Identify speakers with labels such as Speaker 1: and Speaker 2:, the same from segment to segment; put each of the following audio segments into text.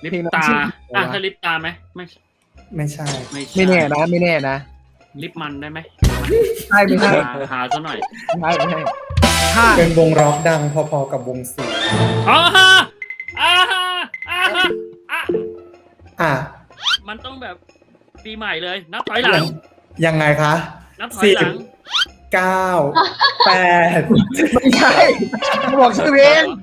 Speaker 1: ลิปตาถ้าลิปตาไหม
Speaker 2: ไม่ใช่
Speaker 3: ไม่แน่นะไม่แน่นะ
Speaker 1: ลิปมันได้ไหม
Speaker 3: ใช่ไม่ใช่
Speaker 1: หาซะหน่อย
Speaker 3: ไม่ใช่ถ้า
Speaker 2: เป็นวงร็อกดังพอๆกับวงซี
Speaker 1: อ๋อมันต้องแบบปีใหม่เลยนับถอยหลัง
Speaker 2: ยังไงคะ
Speaker 1: นับถอยหลัง
Speaker 2: 9 8
Speaker 3: ไม่ใช่บอกชื่อเพลง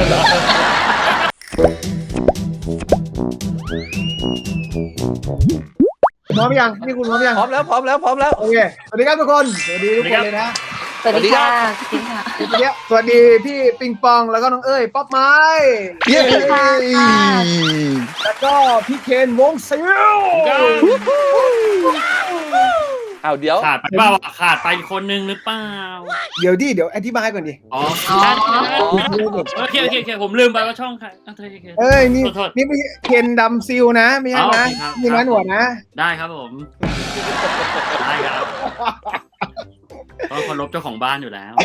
Speaker 3: พร้อมยังนี่คุณพร้อมยัง
Speaker 4: พร้อมแล้ว
Speaker 3: โอเคสวัสดีครับทุกคนสวัสดีทุกคนเลยนะ
Speaker 5: สวัสดีค่ะ
Speaker 3: สวัสดีพี่ปิงปองแล้วก็น้องเอ้ยป๊อปไม้
Speaker 5: สวัสดีค่ะ
Speaker 3: แล้วก็พี่เคนวงซิล
Speaker 4: เดี๋ยว
Speaker 1: ขาดไปเปล่าขาดไปคนนึงหรือเปล่า
Speaker 3: เดี๋ยวอธิบายก่อนดิ
Speaker 1: โอเคผมลืมไปว่าช่องใคร
Speaker 3: นี่ไม่เคนดำซิลนะไม่ใช่นะมีน้าหนวดนะ
Speaker 1: ได้ครับผมได้ครับต้องเคารพเจ้าของบ้านอยู่แล้ว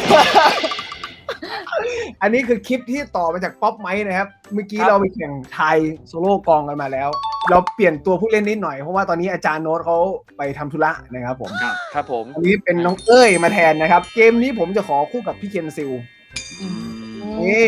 Speaker 3: อันนี้คือคลิปที่ต่อมาจากป๊อปไมค์นะครับเมื่อกี้เราไปแข่งไทยโซโล่กองกันมาแล้วเราเปลี่ยนตัวผู้เล่นนิดหน่อยเพราะว่าตอนนี้อาจารย์โน้ตเขาไปทำธุระนะครับผม
Speaker 4: ครับผม
Speaker 3: อันนี้เป็นน้องเอ้ยมาแทนนะครับเกมนี้ผมจะขอคู่กับพี่เคนซิลนี่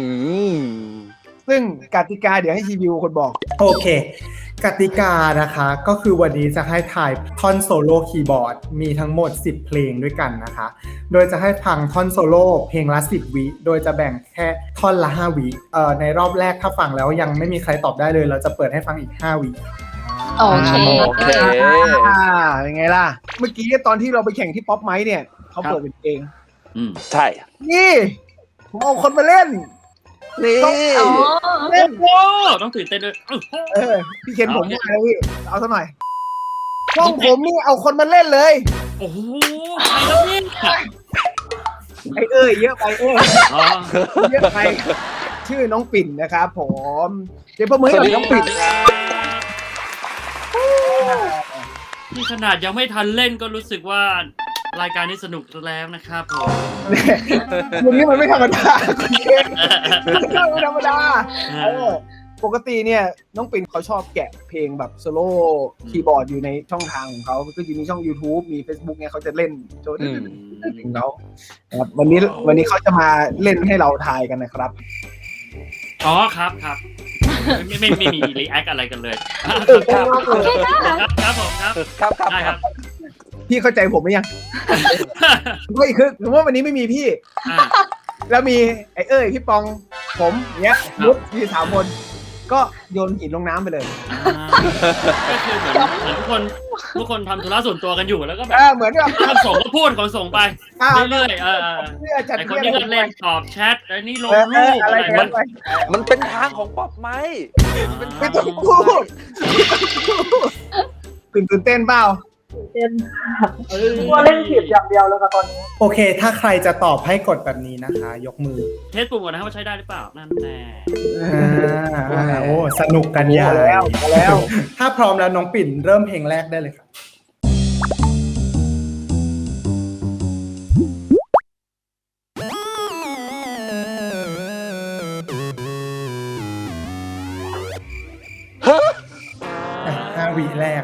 Speaker 3: ซึ่งกติกาเดี๋ยวให้ชีวิวคนบอก
Speaker 2: โอเคกติกานะคะก็คือวันนี้จะให้ถ่ายท่อนโซโล่คีย์บอร์ดมีทั้งหมด10เพลงด้วยกันนะคะโดยจะให้ฟังท่อนโซโล่เพลงละ10วิโดยจะแบ่งแค่ท่อนละ5วิในรอบแรกถ้าฟังแล้วยังไม่มีใครตอบได้เลยเราจะเปิดให้ฟังอีก5วิ
Speaker 5: โอเค
Speaker 3: เป็นไงล่ะเมื่อกี้ตอนที่เราไปแข่งที่ป๊อปไมค์เนี่ยเขาเปิดเป็นเพลง
Speaker 4: ใช่
Speaker 3: นี่ผมเอาคนมาเล่น
Speaker 4: นี่
Speaker 3: เล่น
Speaker 1: โอ้ต้องตื่นเต้นด้วย
Speaker 3: พี่เคนผมมาแล้วพี่เอาซะหน่อยช่องผมนี่เอาคนมาเล่นเลย
Speaker 1: โอ้โหใครแล้วเนี่ย
Speaker 3: เยอะไปเยอะไปชื่อน้องปิ่นนะครับผมเดี๋ยวประเมินกับน้องปิ่น
Speaker 1: นี่ขนาดยังไม่ทันเล่นก็รู้สึกว่ารายการนี้สนุกแล้วนะครับผม
Speaker 3: วันนี้มันไม่ธรรมดาคุณเคนไม่ธรรมดาปกติเนี่ยน้องปิ่นเขาชอบแกะเพลงแบบโซโล่คีย์บอร์ดอยู่ในช่องทางของเขาก็จะมีช่อง YouTube มี Facebook เนี่ยเขาจะเล่นโจทย์ของเขาครับวันนี้เขาจะมาเล่นให้เราทายกันนะครับ
Speaker 1: อ๋อครับไม่มีรีแอคอะไรกันเลยครับผมครับได้ครับ
Speaker 3: พี่เข้าใจผมไหมยังก็อีกคือสมมติว่าวันนี้ไม่มีพี่แล้วมีพี่ปองผมเนี้ยมุดมี3 คนก็โยนหินลงน้ำไปเลย
Speaker 1: ก็คือเหมือนทุกคนทำธุระส่วนตัวกันอยู่แล้วก็แบบ
Speaker 3: เหมือนกับ
Speaker 1: คนส่งก็พูดคนส่งไปเรื่อยๆไอ้คนนี้ก็เล่นตอบแชทไอ้นี่ลงรูปอะไร
Speaker 4: มันเป็นทางของป๊อปไมค์
Speaker 3: ไม่ต้องพูดตื่นเต้นเปล่า
Speaker 6: ว่าเล่นผิดอย่างเดียวแล้วกับตอนนี้
Speaker 2: โอเคถ้าใครจะตอบให้กดแบบนี้นะคะยกมือ
Speaker 1: เทสปุ่มก่อนนะครับว่าใช้ได้หรือเปล่านั่นแน่
Speaker 2: โอ้สนุกกันใหญ่แล้วถ้าพร้อมแล้วน้องปิ่นเริ่มเพลงแรกได้เลยครับ5 วิแรก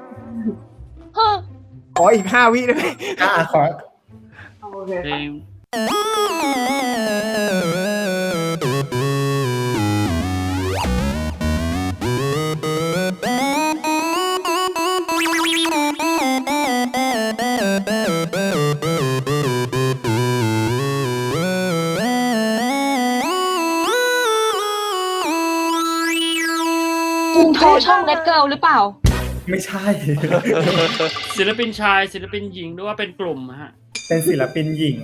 Speaker 3: ขออีก5 วิได้ไหม
Speaker 2: ขอ
Speaker 6: โอเค
Speaker 5: อินโทรช่องเลดเกิลหรือเปล่า
Speaker 2: ไม่ใช่
Speaker 1: ศิลปินชายศิลปินหญิงหรือว่าเป็นกลุ่มฮะ
Speaker 2: เป็นศิลปินหญิง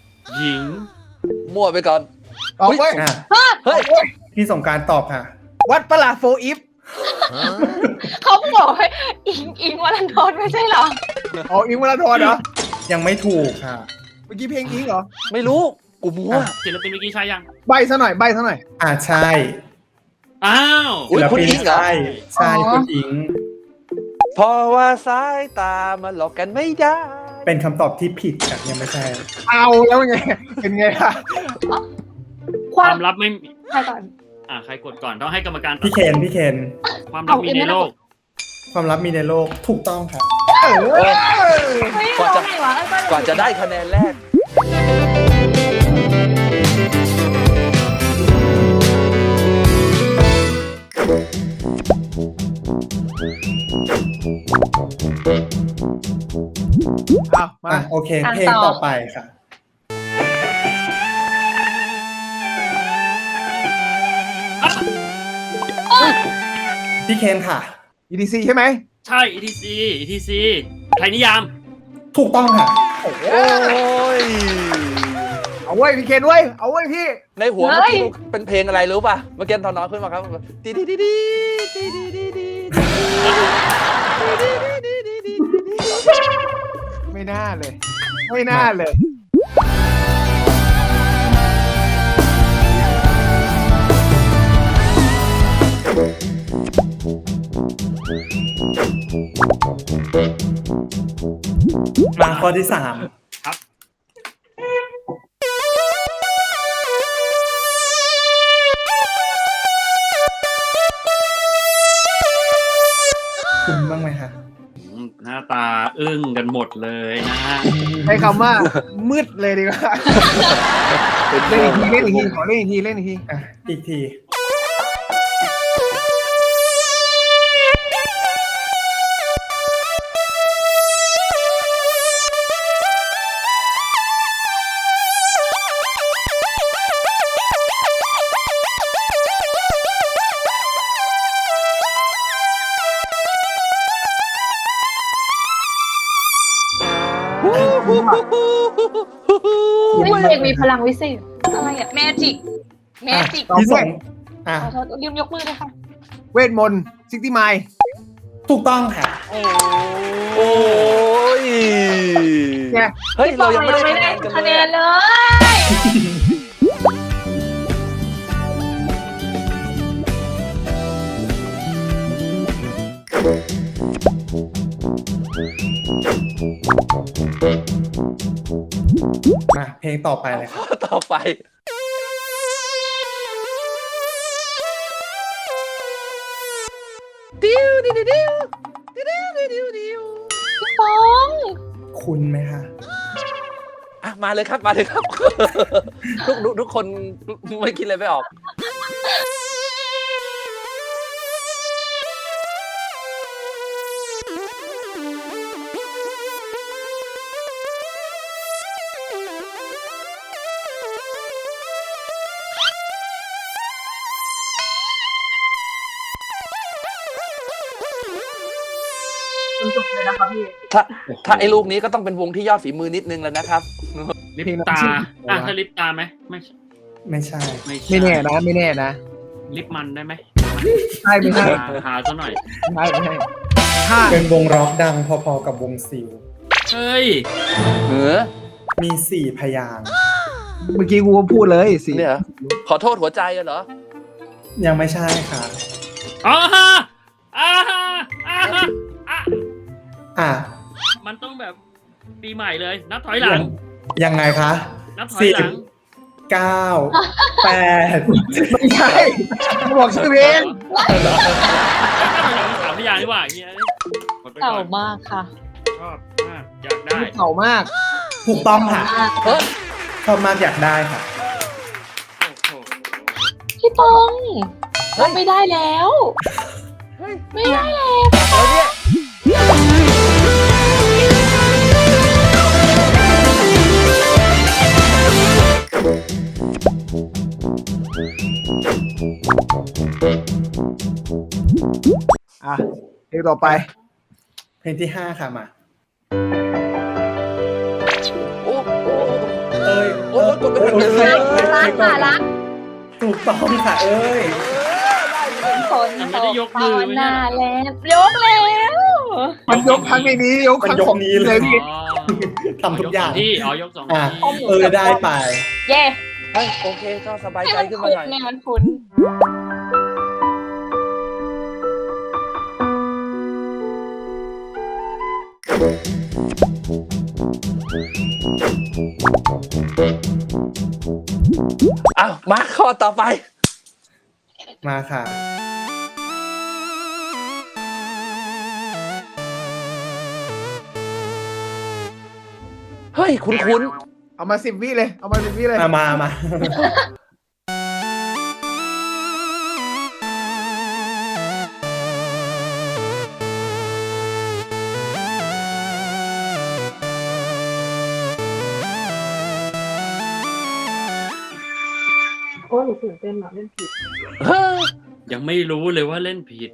Speaker 4: มั่วไปก่อน
Speaker 3: เฮ้ย
Speaker 2: พี่สงการตอบค่ะ
Speaker 3: วัดประหลาดโฟอีฟ
Speaker 5: เขาบอกให้อิงวรันทรไม่ใช่เหรอ
Speaker 3: อิงวรันทรเหรอ
Speaker 2: ยังไม่ถูกค่ะ
Speaker 3: เมื่อกี้เพลงอิงเหรอ
Speaker 4: ไม่รู้กูมั่ว
Speaker 1: ศิลปินเมื่อกี้ใช่ยัง
Speaker 3: ใบซะหน่อย
Speaker 2: ใช่
Speaker 1: อ้าว
Speaker 2: ศิลปินใช่คุณอิง
Speaker 4: เพราะว่าสายตามันหลอกกันไม่ได้
Speaker 2: เป็นคำตอบที่ผิดค่ะยังไม่ใช่
Speaker 3: เอาแล้วไงเป็นไงล่ะ
Speaker 1: ความลับไม่
Speaker 5: ใช่ก่อน
Speaker 1: ใครกดก่อนต้องให้กรรมการตัด
Speaker 2: พี่เคน
Speaker 1: ความรักมีในโลก
Speaker 2: ความลับมีในโลกถูกต้องค่ะ
Speaker 5: เฮ้ยร้องไงวะ
Speaker 4: กว่าจะได้คะแนนแรก
Speaker 3: เอามา
Speaker 2: โอเค เพลงต่อไปค่ะ พี่เคนค่ะ
Speaker 3: EDC ใช่ไหม
Speaker 1: ใช่ ETC ไทยนิยาม
Speaker 2: ถูกต้องค่ะ
Speaker 4: โอ้ย
Speaker 3: เอาเว้ยพี่เคนเว้ยเอาเว้ยพี่
Speaker 4: ในหัวเมื่อกี้เป็นเพลงอะไรรู้ป่ะ เมื่อกี้ตอนน้องขึ้นมาครับดีดีดีดีดีดีดีดี
Speaker 3: ไม่น่าเลย ไม่น่าเลย
Speaker 2: มาข้อที่สาม
Speaker 1: ครับ
Speaker 2: คุณบ้างไหมคะ
Speaker 1: หน้าตาอึ้งกันหมดเลยนะฮะ
Speaker 3: ใช้คำว่ามืดเลยดีกว่าเล่นอีกทีขอเล่นอีกที
Speaker 2: อ่ะ อีกที
Speaker 5: ไม่เด็กมีพลังวิเศษอะไรอะแมจิก
Speaker 2: ที่สองอ่ะ
Speaker 5: ขอโทษลืมยกมือเลยค่ะ
Speaker 3: เวทมนต์60 ไมล์
Speaker 2: ถูกต้องค่ะ
Speaker 4: โอ้ย
Speaker 3: เนี่ย
Speaker 4: เฮ้ย เรายังไม่ได้
Speaker 5: คะแนนเลย
Speaker 2: มาเพลงต่อไปเลยค่ะ
Speaker 4: ข้อต่อไป
Speaker 5: พี่ปอง
Speaker 2: คุณไหมคะ
Speaker 4: อ่ะ มาเลยครับ ทุกคนไม่คิดอะไรไม่ออก
Speaker 6: จนจบเลยนะครับพี่
Speaker 4: ถ้าไอ้ลูกนี้ก็ต้องเป็นวงที่ยอดฝีมือนิดนึงแล้วนะครับ
Speaker 1: ลิปตาถ้าลิปตาไหมไม่ใช่
Speaker 2: ไม่ใช่
Speaker 3: ไม่แน่นะ
Speaker 1: ลิปมันได้ไหม
Speaker 3: ใช่ไม่ใช่
Speaker 1: หาซะหน่อย
Speaker 3: ไม่ใช่ถ้า
Speaker 2: เป็นวงร็อกดังพอๆกับวงซิล
Speaker 1: เฮ้ย
Speaker 2: มี4 พยางค์
Speaker 3: เมื่อกี้กูก็พูดเลยสิ
Speaker 4: เนี่ย ขอโทษหัวใจเหรอ
Speaker 2: ยังไม่ใช่ค่ะ
Speaker 1: อ่าฮะ
Speaker 2: อ่ะ
Speaker 1: มันต้องแบบปีใหม่เลย นับถอยหลัง
Speaker 2: ยังไงคะ
Speaker 1: นับถอยหลัง
Speaker 2: 9 8
Speaker 3: ไม่ใช่บอกชื่อเพลง
Speaker 1: สามพยางค์ดีกว่าเฮียหมดไปก่
Speaker 5: เก่า
Speaker 1: อน
Speaker 5: มากค่ะ
Speaker 1: ชอบมากอยากได้
Speaker 3: เก่ามาก
Speaker 2: ถูกต้องค่ะ
Speaker 4: เฮ้ย
Speaker 2: ชอบมากอยากได้ค่ะ
Speaker 1: โอ้โห
Speaker 5: พี่ปองเราไม่ได้แล้ว ไม่ได้แล้ว
Speaker 4: แล้วเนี่ย
Speaker 3: อ่ะเพลงต่อไป
Speaker 2: เพลงที่ 5 ค่ะมา
Speaker 4: โอ้โห
Speaker 2: เอ้ย
Speaker 4: โอ้ยกดไม่ทัน
Speaker 2: เอ้ย
Speaker 5: รักค่ะรัก
Speaker 2: ถูกต้องค่ะเอ้ย
Speaker 5: คนตกตอนหน้าแล้วยกแล้ว
Speaker 3: มันยกครั้งในนี้ยกครั้งของ
Speaker 2: มันยกนี้เลย
Speaker 3: พี่
Speaker 1: อ๋อ
Speaker 2: ทำทุกอย่าง
Speaker 1: ที่ยกสอง
Speaker 2: อ่ะ
Speaker 1: ที่
Speaker 2: ได้ไป
Speaker 5: เย่
Speaker 4: เฮ้ยโอเคก็สบาย
Speaker 5: ให้
Speaker 4: ใจ
Speaker 5: มัน
Speaker 4: ขึ้น
Speaker 5: คุ้
Speaker 4: มาน หน่อย
Speaker 5: เนี่ยมันคุ้น
Speaker 4: อ้าวมาข้อต่อไป
Speaker 2: มาค่ะ
Speaker 4: เฮ้ย คุ้น
Speaker 3: เอามา10 วิเลย เอามา10 วิเลย
Speaker 2: มา
Speaker 6: โอ้หนูตื่นเต้นอะเล่นผิด
Speaker 4: ๆเฮ้ย
Speaker 1: ยังไม่รู้เลยว่าเล่นผิด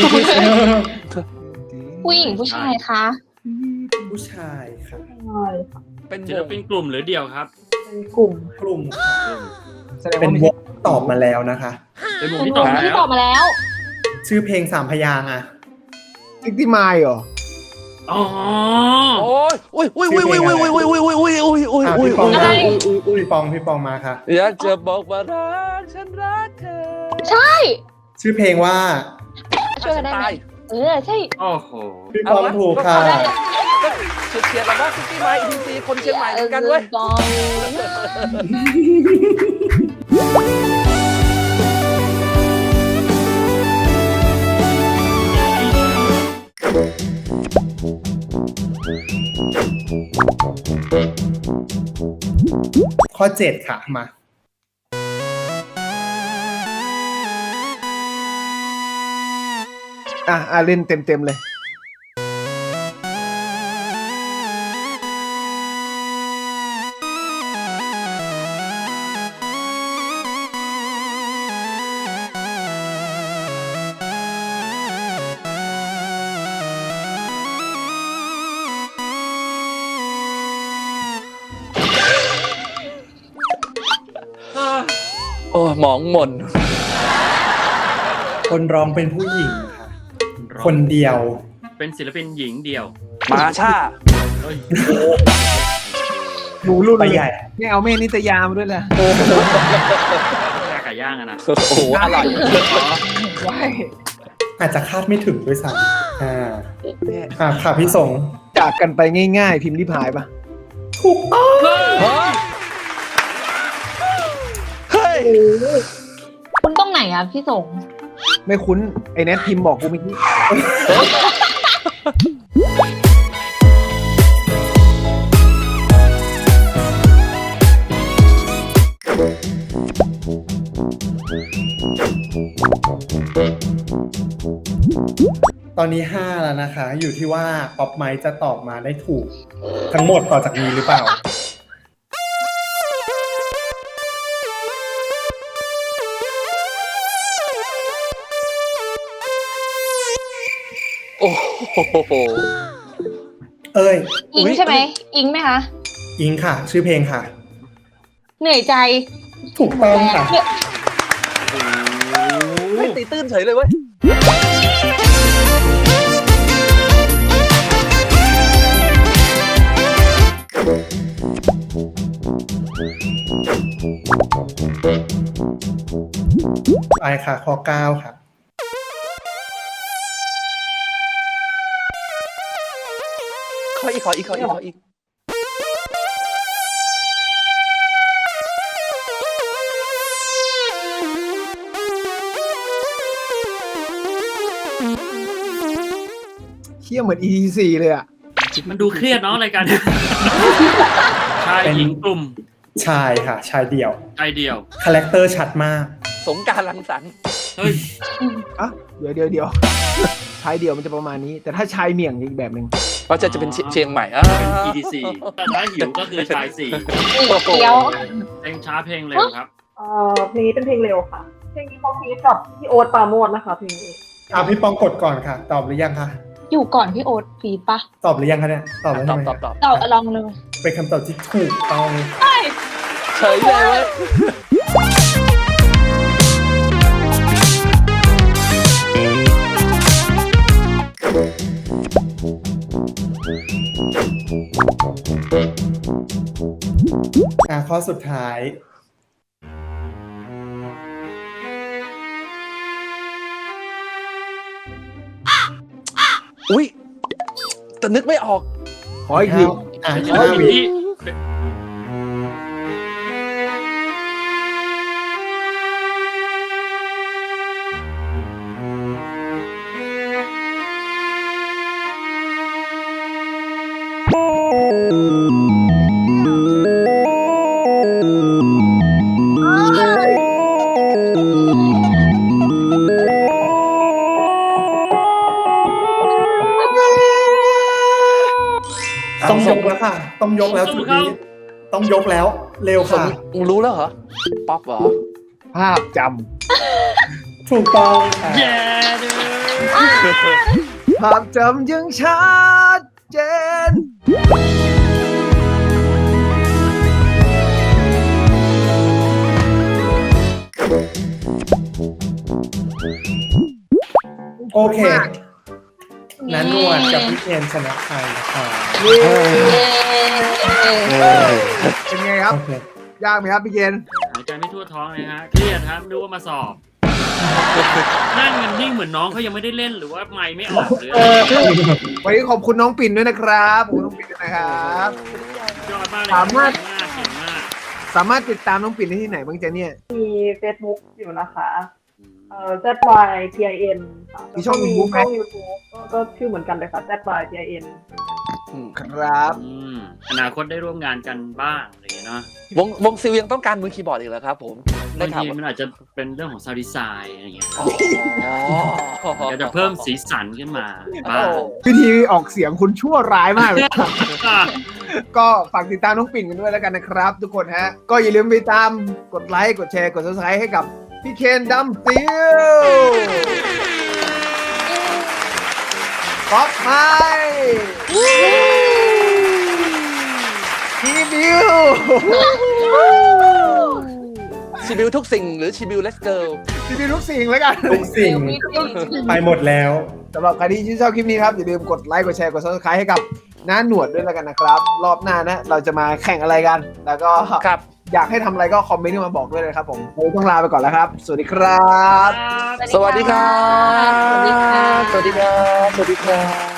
Speaker 5: ผู้หญิงผู้ชายคะ
Speaker 2: ผู้ชายค่ะ
Speaker 6: ใช่
Speaker 4: เป็น
Speaker 1: ศิลปินกลุ่มหรือเดี่ยวครับ
Speaker 6: เป็นกลุ่ม
Speaker 2: กลุ่มค่ะ
Speaker 3: แสดง
Speaker 2: เป็น
Speaker 3: ว่าไม่
Speaker 2: ว
Speaker 3: ใช่
Speaker 2: งตอบมาแล้วนะคะ
Speaker 1: เป็นวง
Speaker 5: เป็น
Speaker 1: ที่
Speaker 5: ว
Speaker 1: ตอบ
Speaker 5: ง
Speaker 1: แล้
Speaker 5: ที่
Speaker 1: ว
Speaker 5: ตอบมาแล้ว
Speaker 2: ชื่อเพลง3 พยางค์อะ
Speaker 3: ซิกตี้ไมล์เหรอ
Speaker 1: อ๋อ
Speaker 4: โอ้ยอุ้ยอุ้ยอุ้ยอุ้ยอุ้ยอุ้ยอุ้ยอุ้ยอุ้ยอุ้ยอุ้ย
Speaker 2: อ่ะ
Speaker 4: อุ้ย
Speaker 2: พี่ปอง
Speaker 5: อะไร
Speaker 2: พี่ปองมาค่ะ
Speaker 4: อยากจะบอกว่ารักฉันรักเธอ
Speaker 5: ใช่
Speaker 2: ชื่อเพลงว่า
Speaker 5: ช่วยกันได้ไหมใช่
Speaker 1: โอ้โห
Speaker 2: พี่ปองถูกค่ะ
Speaker 4: ก็เชียร์เราว่าซิตี้ไมล์อินซีคนเชียงใหม่เหมือนกันเว้ย
Speaker 5: บอง
Speaker 2: ข้อ 7 ค่ะมา
Speaker 3: เล่นเต็มเลย
Speaker 4: โอ้หมองหม่น
Speaker 2: คนร้องเป็นผู้หญิงค่ะ คนเดียว
Speaker 1: เป็นศิลปินหญิงเดี่ยว
Speaker 4: มาช่า
Speaker 1: เฮ้ย
Speaker 3: หนูรุ่น
Speaker 2: ไป
Speaker 3: เลย
Speaker 2: ใหญ่
Speaker 3: ไม่เอาแม่นิตยามาด้วยเลย
Speaker 1: แค่ไก่ย่างอะนะ
Speaker 4: โอ้โหอร่อย
Speaker 3: ว้าย
Speaker 2: อาจจะคาดไม่ถึงด้วยซ้ำค่ะพี่สง
Speaker 3: จากกันไปง่ายๆ พิมพ์ริพายปะ
Speaker 2: ถูกต้อง
Speaker 4: เฮ้ย
Speaker 5: คุณต้องไหนอ่ะพี่สง
Speaker 3: ไม่คุ้น ไอ้แนทพิมพ์บอกกูเมื่อกี้
Speaker 2: ตอนนี้ 5 แล้วนะคะ อยู่ที่ว่าป๊อปไมค์จะตอบมาได้ถูก ทั้งหมดต่อจากนี้หรือเปล่า
Speaker 4: โอ้โห
Speaker 2: เอ้ย
Speaker 5: อิงใช่ไหมอิงไหมคะ
Speaker 2: อิงค่ะ ชื่อเพลงค่ะ
Speaker 5: เหนื่อยใจ
Speaker 2: ถูกต้องค่ะ
Speaker 5: เนี่ย
Speaker 4: ไม่ตีตื้นเฉยเลยเว้ย
Speaker 2: ไปค่ะ ข้อ 9 ค่ะ
Speaker 4: ขออีก
Speaker 3: เชี่ยเหมือน ETC เลยอ่ะ
Speaker 1: มันดูเครียดเนาะรายการ ชายหญิงกลุ่ม
Speaker 2: ชายค่ะ ชายเดี่ยว
Speaker 1: ชายเดี่ยว
Speaker 2: คาแรคเตอร์ชัดมาก
Speaker 4: สงกรารรังสรรค์
Speaker 1: เฮ้ย
Speaker 3: อ่ะ เดี๋ยว ชายเดี่ยวมันจะประมาณนี้ แต่ถ้าชายเมี่ยงอีกแบบหนึ่ง
Speaker 4: ก็จะเป็นเชียงใหม่
Speaker 1: เป็น EDC แต่ถ้าหิวก็คือชายสี่
Speaker 5: เดียว
Speaker 1: เพลงช้าเพลงเร็วครับ
Speaker 6: เพลงนี้เป็นเพลงเร็วค่ะ เพลงนี้เขาฟีดกับพี่โอ๊ตปราโมชนะคะเพลงนี้
Speaker 2: พี่ปองกดก่อนค่ะ ตอบหรือยังคะ
Speaker 5: อยู่ก่อนพี่โอ๊ตฟีดปะ
Speaker 2: ตอบหรือยังคะเนี่ย ตอบแล้ว
Speaker 4: ต
Speaker 2: ใช่
Speaker 4: อบ
Speaker 2: ไหม
Speaker 4: ตอบ
Speaker 5: เราลองเลย
Speaker 2: เป็นคำตอบที่ถูกต้อง
Speaker 4: เฉยเลยเว้ย
Speaker 2: ข้อสุดท้าย
Speaker 4: อุ้ยแต่นึกไม่ออก
Speaker 3: ขออีกที
Speaker 1: ศิล
Speaker 2: 5
Speaker 1: ปิน
Speaker 2: วิ
Speaker 1: ที่
Speaker 2: ต้องยกแล้วค่ะ ต้องยกแล้วจุดนี้ต้องยกแล้วเร็ว
Speaker 4: สม
Speaker 2: ค่ะ
Speaker 4: รู้แล้วเหรอ ป๊อปเหรอ
Speaker 3: ภาพจ
Speaker 2: ถูกต้องค่ะ
Speaker 1: แย่เลย
Speaker 3: ำภาพจำยังชัดเจน
Speaker 2: โอเคนันนวลกับพี่เคนชนะไปนะคะ
Speaker 3: เย้
Speaker 5: เย้
Speaker 3: เป็นไงครับ
Speaker 2: โอเค
Speaker 3: ยากไหมครับพี่เกณฑ์
Speaker 1: หายใจไม่ทั่วท้องเลยฮะเครียดครับดูว่ามาสอบ นั่งกันนิ่งเหมือนน้องเขายังไม่ได้เล่นหรือว่าไมค์ไม่ออกหรืออะไร
Speaker 3: วันนี้ขอบคุณน้องปิ่นด้วยนะครับขอบคุณน้องปิ่นด้วยนะครับ
Speaker 1: ยอดมากเลย
Speaker 3: สามารถ
Speaker 1: เก่งมาก
Speaker 3: สามารถติดตามน้องปิ่นได้ที่ไหนบ้างจ๊ะเนี่ย
Speaker 6: มี Facebook อยู่นะคะZYTIN ค่ะ
Speaker 3: มีช่อง YouTube ไหม
Speaker 6: ช่อง YouTube ก็ชื่อเหมือนกันเลยค่ะ ZYTIN
Speaker 3: ครับ
Speaker 1: อนาคตได้ร่วมงานกันบ้างอะไรอย่างเงี้ยเนาะ
Speaker 4: วงซิลยังต้องการมือคีย์บอร์ดอีกเหรอครับผมได้
Speaker 1: บาง
Speaker 4: ข่าว
Speaker 1: ที
Speaker 4: ว่า
Speaker 1: มันอาจจะเป็นเรื่องของซาวด์ดีไซน์อะไรอย่างเงี้ย
Speaker 4: อ๋อ
Speaker 1: อยากจะเพิ่มสีสันขึ้นมาบ้าง
Speaker 3: วิธีออกเสียงคุณชั่วร้ายมากเลย ก็ฝากติดตามน้องปิ่นกันด้วยแล้วกันนะครับ ทุกคนฮะ ก็อย่าลืมไปตามกดไลค์กดแชร์กด subscribe ให้กับพี่เคนดัมซิลป๊อปไฮทีบิว
Speaker 4: ชิบิวทุกสิ่งหรือชิบิวเลสเกิล
Speaker 3: ทีบิวทุกสิ่งแล้วกัน
Speaker 2: ทุกสิ่งไปหมดแล้ว
Speaker 3: สำหรับใครที่ชื่นชอบคลิปนี้ครับ อย่าลืมกดไลค์กดแชร์กด subscribe ให้กับน้าหนวดด้วยแล้วกันนะครับ รอบหน้านะเราจะมาแข่งอะไรกัน แล้วก็
Speaker 4: ครับ
Speaker 3: อยากให้ทำอะไรก็คอมเมนต์มาบอกด้วยนะครับผมวันนี้ต้องลาไปก่อนแล้วครับ สวัสดีครับ
Speaker 4: สวัสดีครับ
Speaker 5: สวัสดีค่ะ
Speaker 4: สวัสดีครับ สวัสดีครับ